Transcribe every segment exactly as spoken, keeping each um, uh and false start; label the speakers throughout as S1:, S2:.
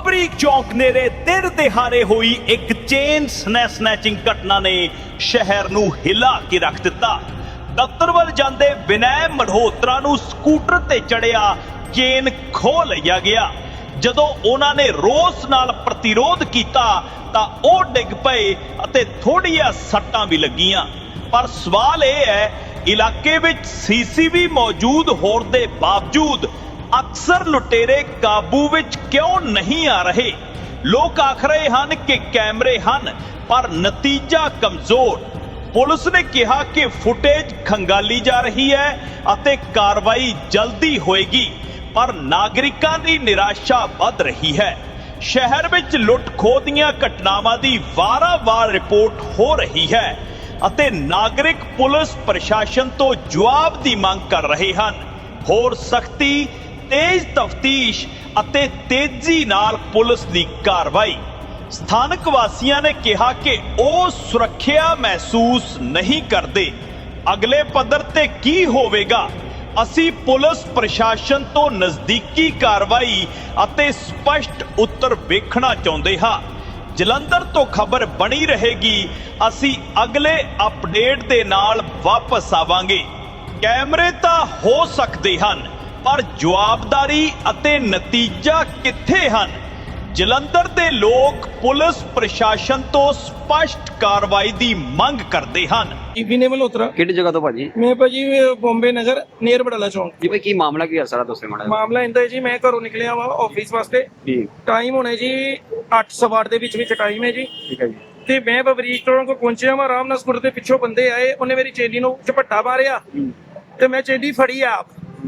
S1: ਬਰੀਕ ਚੌਂਕ ਨੇੜੇ ਦਿਨ ਦਿਹਾੜੇ ਹੋਈ ਇੱਕ ਚੇਨ ਸਨੈਚਿੰਗ ਘਟਨਾ ਨੇ ਸ਼ਹਿਰ ਨੂੰ ਹਿਲਾ ਕੇ ਰੱਖ ਦਿੱਤਾ। ਦਫ਼ਤਰ ਵੱਲ ਜਾਂਦੇ ਵਿਨੈ ਮਲਹੋਤਰਾ ਨੂੰ ਸਕੂਟਰ ਤੇ ਚੜਿਆ ਚੇਨ ਖੋਹ ਲਿਆ ਗਿਆ। ਜਦੋਂ ਉਹਨਾਂ ਨੇ ਰੋਸ ਨਾਲ ਪ੍ਰਤੀਰੋਧ ਕੀਤਾ ਤਾਂ ਉਹ ਡਿੱਗ ਪਏ ਅਤੇ ਥੋੜ੍ਹੀਆਂ ਸੱਟਾਂ ਵੀ ਲੱਗੀਆਂ। ਪਰ ਸਵਾਲ ਇਹ ਹੈ, ਇਲਾਕੇ ਵਿੱਚ ਸੀਸੀਟੀਵੀ ਮੌਜੂਦ ਹੋਣ ਦੇ ਬਾਵਜੂਦ ਅਕਸਰ ਲੁਟੇਰੇ ਕਾਬੂ ਵਿੱਚ ਕਿਉਂ ਨਹੀਂ ਆ ਰਹੇ? ਲੋਕ ਆਖ ਰਹੇ ਹਨ ਕਿ ਕੈਮਰੇ ਹਨ, ਪਰ ਨਤੀਜਾ ਕਮਜ਼ੋਰ। ਪੁਲਿਸ ਨੇ ਕਿਹਾ ਕਿ ਫੁਟੇਜ ਖੰਗਾਲੀ ਜਾ ਰਹੀ ਹੈ ਅਤੇ ਕਾਰਵਾਈ ਜਲਦੀ ਹੋਏਗੀ, ਪਰ ਨਾਗਰਿਕਾਂ ਦੀ ਨਿਰਾਸ਼ਾ ਵੱਧ ਰਹੀ ਹੈ। ਸ਼ਹਿਰ ਵਿੱਚ ਲੁੱਟ-ਖੋਹ ਦੀਆਂ ਘਟਨਾਵਾਂ ਦੀ ਵਾਰ-ਵਾਰ ਰਿਪੋਰਟ ਹੋ ਰਹੀ ਹੈ ਅਤੇ ਨਾਗਰਿਕ ਪੁਲਿਸ ਪ੍ਰਸ਼ਾਸਨ ਤੋਂ ਜਵਾਬ ਦੀ ਮੰਗ ਕਰ ਰਹੇ ਹਨ। ਹੋਰ ਸਖਤੀ, ਤੇਜ਼ ਤਫਤੀਸ਼ ਅਤੇ ਤੇਜ਼ੀ ਨਾਲ ਪੁਲਿਸ ਦੀ ਕਾਰਵਾਈ। ਸਥਾਨਕ ਵਾਸੀਆਂ ਨੇ ਕਿਹਾ ਕਿ ਉਹ ਸੁਰੱਖਿਆ ਮਹਿਸੂਸ ਨਹੀਂ ਕਰਦੇ। ਅਗਲੇ ਪੱਧਰ ਤੇ ਕੀ ਹੋਵੇਗਾ? ਅਸੀਂ ਪੁਲਿਸ ਪ੍ਰਸ਼ਾਸਨ ਤੋਂ ਨਜ਼ਦੀਕੀ ਕਾਰਵਾਈ ਅਤੇ ਸਪਸ਼ਟ ਉੱਤਰ ਵੇਖਣਾ ਚਾਹੁੰਦੇ ਹਾਂ। ਜਲੰਧਰ ਤੋਂ ਖਬਰ ਬਣੀ ਰਹੇਗੀ। ਅਸੀਂ ਅਗਲੇ ਅਪਡੇਟ ਦੇ ਨਾਲ ਵਾਪਸ ਆਵਾਂਗੇ। ਕੈਮਰੇ ਤਾਂ ਹੋ ਸਕਦੇ ਹਨ, ਪਰ ਜਵਾਬਦਾਰੀ ਅਤੇ ਨਤੀਜਾ ਕਿੱਥੇ ਹਨ? ਜਲੰਧਰ ਦੇ ਲੋਕ ਪੁਲਿਸ ਪ੍ਰਸ਼ਾਸਨ ਤੋਂ ਸਪਸ਼ਟ ਕਾਰਵਾਈ ਦੀ ਮੰਗ ਕਰਦੇ ਹਨ।
S2: ਵਿਨੈ ਮਲਹੋਤਰਾ।
S3: ਕਿਹੜੀ ਜਗ੍ਹਾ ਤੋਂ ਭਾਜੀ?
S2: ਮੈਂ ਭਾਜੀ ਬੰਬੇ ਨਗਰ ਨੀਅਰ ਬੜਾਲਾ ਚੌਂਕ।
S3: ਜੀ ਭਾਈ, ਕੀ ਮਾਮਲਾ ਕੀ ਹੈ ਸਾਰਾ ਦੱਸੋ ਮਾੜਾ ਜਿਹਾ।
S2: ਮਾਮਲਾ ਇੰਦਾ ਹੈ ਜੀ, ਮੈਂ ਘਰੋਂ ਨਿਕਲਿਆ ਵਾ ਆਫਿਸ ਵਾਸਤੇ।
S3: ਜੀ
S2: ਟਾਈਮ ਹੋਣਾ ਜੀ ਅੱਠ ਸਵਾ ਅੱਠ ਦੇ ਵਿੱਚ ਵਿੱਚ ਟਾਈਮ ਹੈ ਜੀ।
S3: ਠੀਕ ਹੈ ਜੀ।
S2: ਤੇ ਮੈਂ ਬਬਰੀਕ ਚੌਂਕ ਕੋ ਪਹੁੰਚਿਆ ਵਾ। ਆਰਾਮ ਨਾਲ ਸਕੂਟਰ ਦੇ ਪਿੱਛੋਂ ਬੰਦੇ ਆਏ, ਉਹਨੇ ਮੇਰੀ ਚੇਨੀ ਨੂੰ ਝਪੱਟਾ ਮਾਰਿਆ ਤੇ ਮੈਂ ਚੇਨੀ ਫੜੀ ਆਪ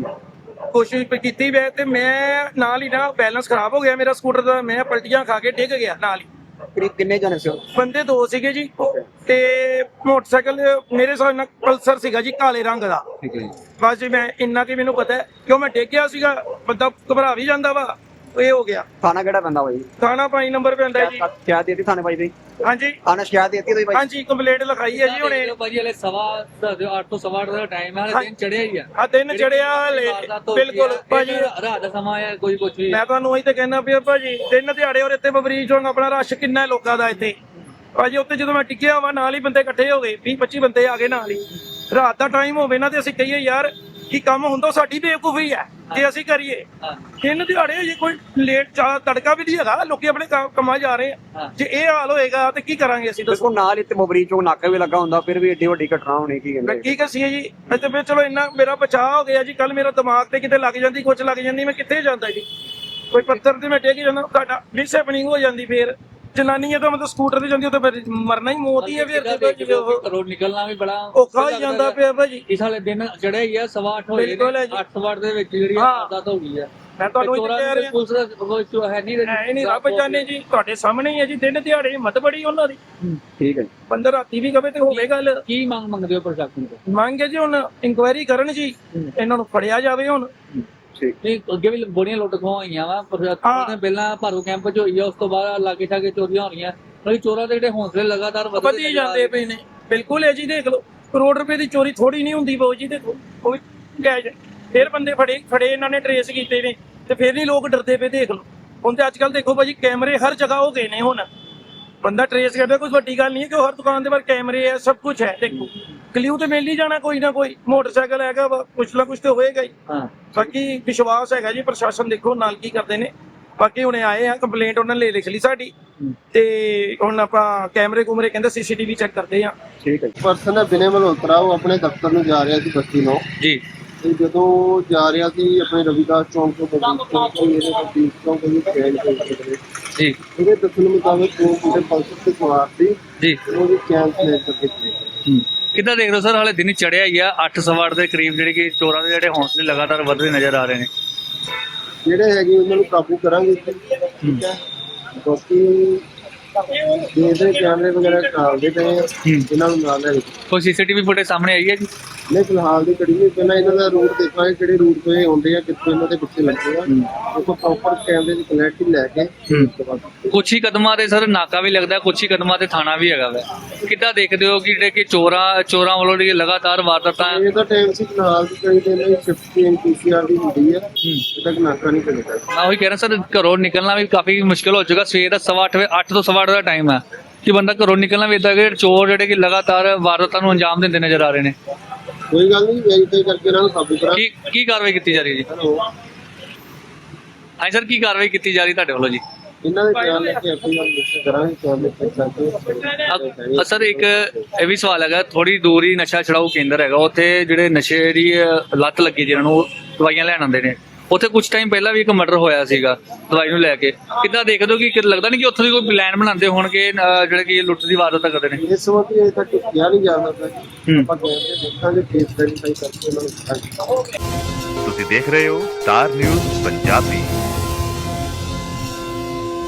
S2: ਕੋਸ਼ਿਸ਼ ਕੀਤੀ ਵੈ ਤੇ ਮੈਂ ਨਾਲ ਹੀ ਨਾ ਬੈਲੈਂਸ ਖਰਾਬ ਹੋ ਗਿਆ ਮੇਰਾ ਸਕੂਟਰ ਦਾ। ਮੈਂ ਪਲਟੀਆਂ ਖਾ ਕੇ ਡਿੱਗ ਗਿਆ ਨਾਲ ਹੀ।
S3: ਕਰੀਬ ਕਿੰਨੇ ਜਣੇ ਸੀ?
S2: ਬੰਦੇ ਦੋ ਸੀਗੇ ਜੀ, ਤੇ ਮੋਟਰਸਾਈਕਲ ਮੇਰੇ ਹਿਸਾਬ ਨਾਲ ਪਲਸਰ ਸੀਗਾ ਜੀ, ਕਾਲੇ ਰੰਗ ਦਾ।
S3: ਠੀਕ ਹੈ ਜੀ।
S2: ਬਸ ਜੀ ਮੈਂ ਇੰਨਾ ਕਿ ਮੈਨੂੰ ਪਤਾ ਹੈ, ਕਿਉਂ ਮੈਂ ਡਿੱਗ ਗਿਆ ਸੀਗਾ। ਬੰਦਾ ਘਬਰਾ ਵੀ ਜਾਂਦਾ ਵਾ, ਇਹ ਹੋ ਗਿਆ।
S3: ਥਾਣਾ ਕਿਹੜਾ ਪੈਂਦਾ ਭਾਈ?
S2: ਥਾਣਾ ਪੰਜ ਨੰਬਰ ਪੈਂਦਾ ਜੀ।
S3: ਸ਼ਿਕਾਇਤ ਦਿੱਤੀ ਥਾਣੇ ਭਾਈ ਦੀ?
S2: ਹਾਂਜੀ
S3: ਥਾਣਾ ਸ਼ਿਕਾਇਤ ਦਿੱਤੀ ਤੁਸੀਂ ਭਾਈ?
S2: ਹਾਂਜੀ ਕੰਪਲੇਂਟ ਲਿਖਾਈ ਹੈ ਜੀ ਹੁਣੇ।
S4: ਭਾਜੀ ਹਲੇ ਸਵਾ ਅੱਠ ਤੋਂ ਸਵਾ ਅੱਠ ਦਾ ਟਾਈਮ ਹੈ, ਹਲੇ ਦਿਨ ਚੜਿਆ ਹੀ ਆ।
S2: ਆ ਦਿਨ ਚੜਿਆ ਹਲੇ, ਬਿਲਕੁਲ ਭਾਜੀ।
S4: ਰਾਤ ਦਾ ਸਮਾਂ ਹੈ, ਕੋਈ ਕੁਝ ਵੀ।
S2: ਮੈਂ ਤੁਹਾਨੂੰ ਉਹੀ ਤੇ ਕਹਿਣਾ ਪਿਆ ਭਾਜੀ, ਦਿਨ ਦਿਹਾੜੇ ਔਰ ਇੱਥੇ ਬਬਰੀਕ ਚੌਂਕ ਆਪਣਾ ਰਸ਼ ਕਿੰਨਾ ਹੈ ਲੋਕਾਂ ਦਾ ਇੱਥੇ। ਭਾਜੀ ਉੱਥੇ ਜਦੋਂ ਮੈਂ ਟਿਕਿਆ ਵਾ, ਨਾਲ ਹੀ ਬੰਦੇ ਇਕੱਠੇ ਹੋ ਗਏ, ਵੀਹ ਪੱਚੀ ਬੰਦੇ ਆ ਗਏ ਨਾਲ ਹੀ। ਰਾਤ ਦਾ ਟਾਈਮ ਹੋਵੇ ਨਾ ਤੇ ਅਸੀਂ ਕਹੀਏ ਯਾਰ ਕੀ ਕੰਮ ਹੁੰਦਾ, ਸਾਡੀ ਬੇਵਕੂਫੀ ਹੈ ਜੇ ਅਸੀਂ ਕਰੀਏ। ਦਿਨ ਦਿਹਾੜੇ ਜੇ ਕੋਈ ਲੇਟ ਚਾ ਤੜਕਾ ਵੀ ਨਹੀਂ ਹੈਗਾ, ਲੋਕੀ ਆਪਣੇ ਕੰਮਾਂ ਜਾ ਰਹੇ ਆ। ਜੇ ਇਹ ਹਾਲ ਹੋਏਗਾ ਤੇ ਕੀ ਕਰਾਂਗੇ ਅਸੀਂ?
S3: ਦੇਖੋ ਨਾਲ ਇੱਥੇ ਬਬਰੀਕ ਚੌਂਕ ਨਾਕਾ ਵੀ ਲੱਗਾ ਹੁੰਦਾ, ਫਿਰ ਵੀ ਏਡੀ ਵੱਡੀ ਘਟਨਾ ਹੋਣੀ ਕੀ ਕਹਿੰਦੇ?
S2: ਕੀ ਕਸੀਏ ਜੀ। ਇੱਥੇ ਫਿਰ ਚਲੋ ਇੰਨਾ ਮੇਰਾ ਬਚਾਅ ਹੋ ਗਿਆ ਜੀ। ਕੱਲ ਮੇਰਾ ਦਿਮਾਗ ਤੇ ਕਿਤੇ ਲੱਗ ਜਾਂਦੀ, ਕੁਛ ਲੱਗ ਜਾਂਦੀ, ਮੈਂ ਕਿੱਥੇ ਜਾਂਦਾ ਜੀ? ਕੋਈ ਪੱਥਰ ਤੇ ਮੈਂ ਡਿੱਗ ਜਾਂਦਾ, ਸਾਡਾ ਮਿਸਹੈਪਨਿੰਗ ਹੋ ਜਾਂਦੀ। ਫੇਰ ਜਨਾਨੀਆਂ ਤਾਂ ਮਤਲਬ ਸਕੂਟਰ ਤੇ ਜਾਂਦੀ, ਉਹ ਤਾਂ ਫਿਰ ਮਰਨਾ ਹੀ ਮੌਤ ਹੀ ਹੈ। ਫਿਰ
S4: ਘਰੋਂ ਨਿਕਲਣਾ ਵੀ ਬੜਾ
S2: ਔਖਾ ਹੋ ਜਾਂਦਾ ਪਿਆ ਭਾਜੀ।
S4: ਇਸ ਵਾਲੇ ਦਿਨ ਚੜਿਆ ਹੀ ਆ, ਸਵਾ ਅੱਠ ਹੋਏ ਨੇ। ਅੱਠ ਸਵਾ ਅੱਠ ਦੇ ਵਿੱਚ ਜਿਹੜੀ ਆਦਤ ਹੋ ਗਈ ਆ।
S2: ਮੈਂ ਤੁਹਾਨੂੰ ਇਹ ਕਹਿ ਰਿਹਾ,
S4: ਪੁਲਿਸ ਦਾ ਕੋਈ ਇਸ਼ੂ ਹੈ ਨਹੀਂ।
S2: ਹੈ ਨਹੀਂ, ਰੱਬ ਜਾਣੇ ਜੀ, ਤੁਹਾਡੇ ਸਾਹਮਣੇ ਹੀ ਹੈ ਜੀ। ਦਿਨ ਦਿਹਾੜੇ ਹਿੰਮਤ ਬੜੀ ਉਹਨਾਂ ਦੀ।
S3: ਠੀਕ ਹੈ ਜੀ।
S2: ਬੰਦਾ ਰਾਤੀ ਵੀ ਕਵੇ ਤੇ ਹੋਵੇ ਗੱਲ।
S4: ਕੀ ਮੰਗ ਮੰਗਦੇ ਹੋ ਪ੍ਰਸ਼ਾਸਨ ਤੋਂ?
S2: ਮੰਗ ਹੈ ਜੀ ਹੁਣ ਇਨਕੁਆਇਰੀ ਕਰਨ ਜੀ, ਇਹਨਾਂ ਨੂੰ ਫੜਿਆ ਜਾਵੇ ਹੁਣ।
S4: ਨਹੀਂ, ਅੱਗੇ ਵੀ ਬੜੀਆਂ ਲੁੱਟ ਖੋਹਾਂ ਹੋਈਆਂ ਵਾ। ਪ੍ਰਸ਼ਾਸਨ ਪਹਿਲਾਂ ਭਾਰੂ ਕੈਂਪ ਚ ਹੋਈ ਆ, ਉਸ ਤੋਂ ਬਾਅਦ ਲਾਗੇ ਛਾਗੇ ਚੋਰੀਆਂ ਹੋ ਰਹੀਆਂ। ਚੋਰਾਂ ਦੇ ਜਿਹੜੇ ਹੌਸਲੇ ਲਗਾਤਾਰ
S2: ਵਧੀ ਜਾਂਦੇ ਪਏ ਨੇ। ਬਿਲਕੁਲ ਹੈ ਜੀ। ਦੇਖ ਲਓ, ਕਰੋੜ ਰੁਪਏ ਦੀ ਚੋਰੀ ਥੋੜੀ ਨਹੀਂ ਹੁੰਦੀ ਬਾਊ ਜੀ। ਦੇਖੋ ਉਹ ਵੀ ਕੈਸ਼। ਫਿਰ ਬੰਦੇ ਫੜੇ ਫੜੇ ਇਹਨਾਂ ਨੇ, ਟਰੇਸ ਕੀਤੇ ਨੇ, ਤੇ ਫਿਰ ਨਹੀਂ ਲੋਕ ਡਰਦੇ ਪਏ। ਦੇਖ ਲਓ ਹੁਣ ਤੇ ਅੱਜ ਕੱਲ ਦੇਖੋ ਭਾਜੀ, ਕੈਮਰੇ ਹਰ ਜਗ੍ਹਾ ਹੋ ਗਏ ਨੇ। ਹੁਣ ਬੰਦਾ ਟਰੇਸ ਕਰਦਾ, ਕੋਈ ਵੱਡੀ ਗੱਲ ਨਹੀਂ ਹੈ ਕਿ ਹਰ ਦੁਕਾਨ ਦੇ ਬਾਹਰ ਕੈਮਰੇ ਹੈ, ਸਭ ਕੁਝ ਹੈ। ਦੇਖੋ ਕਲਿਊ ਤੇ ਮਿਲ ਹੀ ਜਾਣਾ ਕੋਈ ਨਾ ਕੋਈ। ਮੋਟਰਸਾਈਕਲ ਹੈਗਾ ਵਾ, ਕੁਛ ਨਾ ਕੁਛ ਤੇ ਹੋਏਗਾ ਹੀ। ਬਾਕੀ ਵਿਸ਼ਵਾਸ ਹੈਗਾ ਜੀ, ਪ੍ਰਸ਼ਾਸਨ ਦੇਖੋ ਨਾਲ ਕੀ ਕਰਦੇ ਨੇ। ਬਾਕੀ ਹੁਣੇ ਆਏ ਆ, ਕੰਪਲੇਂਟ ਉਹਨਾਂ ਨੇ ਲਿਖ ਲਈ ਸਾਡੀ, ਤੇ ਹੁਣ ਆਪਾਂ ਕੈਮਰੇ ਕੁਮਰੇ ਕਹਿੰਦੇ ਸੀਸੀਟੀਵੀ ਚੈੱਕ ਕਰਦੇ ਆ।
S3: ਠੀਕ ਹੈ।
S5: ਪਰਸਨ ਹੈ ਵਿਨੈ ਮਲਹੋਤਰਾ, ਉਹ ਆਪਣੇ ਦਫ਼ਤਰ ਨੂੰ ਜਾ ਰਿਹਾ ਸੀ ਬਸਤੀ ਨੂੰ
S4: ਜੀ।
S5: ਤੇ ਜਦੋਂ ਜਾ ਰਿਹਾ ਸੀ ਆਪਣੇ ਰਵਿਦਾਸ ਚੌਂਕ ਤੋਂ ਬਬਰੀਕ ਚੌਂਕ ਤੋਂ ਇਹਦੇ ਬਬਰੀਕ ਚੌਂਕ ਤੋਂ ਚੈਨ ਖੋਲ
S4: ਜੀ।
S5: ਇਹਦੇ ਦੱਸਣ ਮੁਤਾਬਕ ਉਹ ਮੁੰਡੇ ਪਲਸਰ ਤੇ ਸਵਾਰ ਸੀ
S4: ਜੀ।
S5: ਉਹਦੀ ਚੈਨ ਸਲੇਟ ਕਰਕੇ ਚਲੇ।
S4: ਕਿੱਦਾਂ ਦੇਖ ਰਹੇ ਹੋ ਸਰ? ਹਾਲੇ ਦਿਨ ਚੜਿਆ ਹੀ ਆ, ਅੱਠ ਸਵਾ ਅੱਠ ਦੇ ਕਰੀਬ, ਜਿਹੜੇ ਕਿ ਚੋਰਾਂ ਦੇ ਜਿਹੜੇ ਹੌਸਲੇ ਲਗਾਤਾਰ ਵਧਦੇ ਨਜ਼ਰ ਆ ਰਹੇ ਨੇ।
S5: ਜਿਹੜੇ ਹੈਗੇ ਉਹਨਾਂ ਨੂੰ ਕਾਬੂ ਕਰਾਂਗੇ। ਠੀਕ ਹੈ। ਬਾਕੀ ਦੇਖਦੇ ਕੈਮਰੇ ਵਗੈਰਾ ਕਾਲਦੇ ਪਏ ਆ, ਇਹਨਾਂ ਨੂੰ ਨਾਲ ਲੈ ਕੇ।
S4: ਕੋਈ ਸੀਸੀਟੀਵੀ ਫੁਟੇਜ ਸਾਹਮਣੇ ਆਈ ਹੈ ਜੀ?
S5: ਨਹੀਂ ਫਿਲਹਾਲ ਦੀ ਕੜੀ ਨਹੀਂ, ਪਹਿਲਾਂ ਇਹਨਾਂ ਦਾ ਰੂਟ ਦੇਖਾਂਗੇ ਕਿਹੜੇ ਰੂਟ ਤੋਂ ਇਹ ਆਉਂਦੇ ਆ, ਕਿੱਥੋਂ ਇਹਨਾਂ ਦੇ ਪਿੱਛੇ ਲੱਗੇ ਆ, ਦੇਖੋ ਪ੍ਰੋਪਰ ਕੈਮਰੇ ਦੀ ਕਲੈਰਿਟੀ ਲੈ ਕੇ ਉਸ ਤੋਂ ਬਾਅਦ
S4: ਕੁਛ ਹੀ ਕਦਮਾਂ ਤੇ ਸਰ ਨਾਕਾ ਵੀ ਲੱਗਦਾ, ਕੁਛ ਹੀ ਕਦਮਾਂ ਤੇ ਥਾਣਾ ਵੀ ਹੈਗਾ ਵਾ। ਕਿੱਦਾਂ ਦੇਖਦੇ ਹੋ ਕਿ ਜਿਹੜੇ ਕਿ ਚੋਰਾਂ ਚੋਰਾਂ ਵੱਲੋਂ ਜਿਹੜੀ ਲਗਾਤਾਰ ਵਾਰਦਾਤਾਂ
S5: ਇਹ ਤਾਂ ਟਾਈਮ ਸੀ ਫਿਲਹਾਲ ਦੀ ਕੜੀ ਤੇ ਇਹਨਾਂ ਦੀ ਸ਼ਿਫਟ ਚੇਂਜ ਪੀਸੀਆਰ ਦੀ ਹੁੰਦੀ ਆ, ਇਹ ਤੱਕ ਨਾਕਾ ਨਹੀਂ ਚੱਲਦਾ।
S4: ਮੈਂ ਉਹੀ ਕਹਿ ਰਿਹਾ ਸਰ, ਘਰੋਂ ਨਿਕਲਣਾ ਵੀ ਕਾਫੀ ਮੁਸ਼ਕਿਲ ਹੋ ਚੁੱਕਾ। ਸਵੇਰ ਦਾ ਸਵਾ ਅੱਠ ਵਜੇ ਅੱਠ ਤੋਂ ਸਵਾ ਅੱਠ ਦਾ ਟਾਈਮ ਹੈ ਕਿ ਬੰਦਾ ਘਰੋਂ ਨਿਕਲਣਾ ਵੀ ਇਦਾਂ ਕਿ ਚੋਰ ਜਿਹੜੇ ਕਿ ਲਗਾਤਾਰ ਵਾਰਦਾਤਾਂ ਨੂੰ ਅੰਜਾਮ ਦਿੰਦੇ ਨਜ਼ਰ ਆ ਰਹੇ ਨੇ।
S5: ਕੋਈ ਗੱਲ ਨਹੀਂ, ਵੈਰੀਫਾਈ ਕਰਕੇ ਇਹਨਾਂ ਨੂੰ ਕਾਬੂ ਕਰਾਂ।
S4: ਕੀ ਕੀ ਕਾਰਵਾਈ ਕੀਤੀ ਜਾ ਰਹੀ ਹੈ ਜੀ?
S5: ਹੈਲੋ,
S4: ਹਾਂਜੀ ਸਰ, ਕੀ ਕਾਰਵਾਈ ਕੀਤੀ ਜਾ ਰਹੀ ਤੁਹਾਡੇ ਵੱਲੋਂ ਜੀ?
S5: ਇਹਨਾਂ ਦੇ ਬਿਆਨ ਲੈ ਕੇ ਆਪਣੀ ਗੱਲ ਨਿਸ਼ਚਿਤ ਕਰਾਂਗੇ, ਕੈਮਰੇ ਚੈੱਕ ਕਰਕੇ।
S4: ਅ- ਸਰ ਇੱਕ ਇਹ ਵੀ ਸਵਾਲ ਹੈਗਾ, ਥੋੜੀ ਦੂਰ ਹੀ ਨਸ਼ਾ ਛਡਾਊ ਕੇਂਦਰ ਹੈਗਾ, ਉੱਥੇ ਜਿਹੜੇ ਨਸ਼ੇ ਦੀ ਅ, ਲੱਤ ਲੱਗੀ ਜਿਹਨਾਂ ਨੂੰ ਦਵਾਈਆਂ ਲੈਣ ਆਉਂਦੇ ਨੇ, ਉੱਥੇ ਕੁਝ ਟਾਈਮ ਪਹਿਲਾਂ ਵੀ ਇੱਕ ਮਰਡਰ ਹੋਇਆ ਸੀਗਾ ਦਵਾਈ ਨੂੰ ਲੈ ਕੇ। ਕਿੱਦਾਂ ਦੇਖਦੇ ਹੋ ਕਿ ਕਿ ਲੱਗਦਾ ਨਹੀਂ ਕਿ ਉੱਥੋਂ ਦੀ ਕੋਈ ਪਲਾਨ ਬਣਾਉਂਦੇ ਹੋਣਗੇ ਅ, ਜਿਹੜੇ ਕਿ ਲੁੱਟ ਦੀ ਵਾਰਦਾਤ ਕਰਦੇ ਨੇ?
S5: ਇਸ ਵਕਤ ਇਹ ਤੱਕ ਕਿਹਾ ਨਹੀਂ ਜਾ ਸਕਦਾ।
S4: ਹੂੰ।
S5: ਆਪਾਂ ਕੈਮਰੇ ਦੇਖਾਂਗੇ, ਕੇਸ ਵੈਰੀਫਾਈ ਕਰਕੇ ਉਹਨਾਂ ਨੂੰ ਦਿਖਾਂਗੇ।
S6: ਤੁਸੀਂ ਦੇਖ ਰਹੇ ਹੋ ਸਟਾਰ ਨਿਊਜ਼ ਪੰਜਾਬੀ।